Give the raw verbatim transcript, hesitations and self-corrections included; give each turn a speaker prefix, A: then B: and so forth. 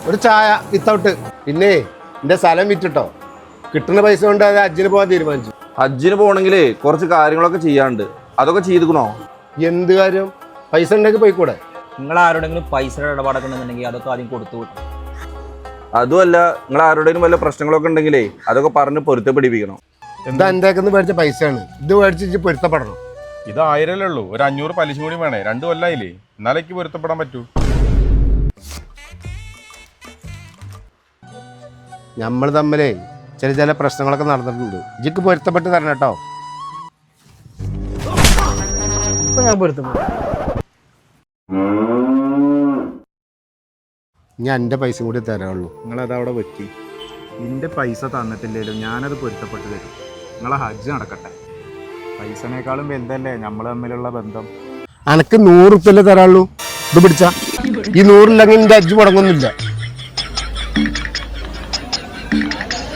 A: ഒരു ചായ വിത്തൗട്ട്. പിന്നെ എന്റെ സ്ഥലം വിറ്റിട്ടോ, കിട്ടുന്ന പൈസ കൊണ്ട് അത് ഹജ്ജിന് പോകാൻ തീരുമാനിച്ചു.
B: ഹജ്ജിന് പോകണമെങ്കിലേ കുറച്ച് കാര്യങ്ങളൊക്കെ ചെയ്യാണ്ട്, അതൊക്കെ ചെയ്തുക്കണോ?
A: എന്ത് കാര്യം? പൈസ ഉണ്ടെങ്കിൽ പോയിക്കൂടെ?
C: നിങ്ങൾ ആരോടെങ്കിലും പൈസ ഇടപാടൊക്കെ ഉണ്ടെന്നുണ്ടെങ്കിൽ അതൊക്കെ ആദ്യം കൊടുത്തു വിട്ടു.
B: അതുമല്ല, നിങ്ങൾ ആരുടെയും വല്ല പ്രശ്നങ്ങളൊക്കെ ഉണ്ടെങ്കിലേ അതൊക്കെ പറഞ്ഞ് പൊരുത്തപ്പെടിപ്പിക്കണം.
A: എന്താ എൻ്റെ മേടിച്ച പൈസയാണ്, ഇത് മേടിച്ച് പൊരുത്തപ്പെടണം.
D: ഇത് ആയിരല്ലേ ഉള്ളൂ, ഒരു അഞ്ഞൂറ് പലിശ കൂടി വേണേ. രണ്ടു കൊല്ലായില്ലേ, എന്നാലേക്ക് പൊരുത്തപ്പെടാൻ പറ്റൂ.
A: നമ്മൾ തമ്മിലേ ചില ചില പ്രശ്നങ്ങളൊക്കെ നടന്നിട്ടുണ്ട്. ഇജിക്ക് പൊരുത്തപ്പെട്ട് തരണം കേട്ടോ.
E: ഞാൻ പൊരുത്തപ്പെടും.
A: ഞാൻ എൻ്റെ പൈസ കൂടി തരാനുള്ളൂ.
F: നിങ്ങളത് അവിടെ വെക്കി. നിന്റെ പൈസ തന്നിട്ടില്ലേലും ഞാനത് പൊരുത്തപ്പെട്ട് തരും. നിങ്ങളെ ഹജ്ജ് നടക്കട്ടെ. പൈസനേക്കാളും വലുതല്ലേ നമ്മൾ തമ്മിലുള്ള ബന്ധം.
A: അനക്ക് നൂറ് റുപ്യല്ലേ തരാനുള്ളൂ. ഇത് പിടിച്ച ഈ നൂറില്ലെങ്കിൽ എൻ്റെ ഹജ്ജ് മുടങ്ങുന്നില്ല.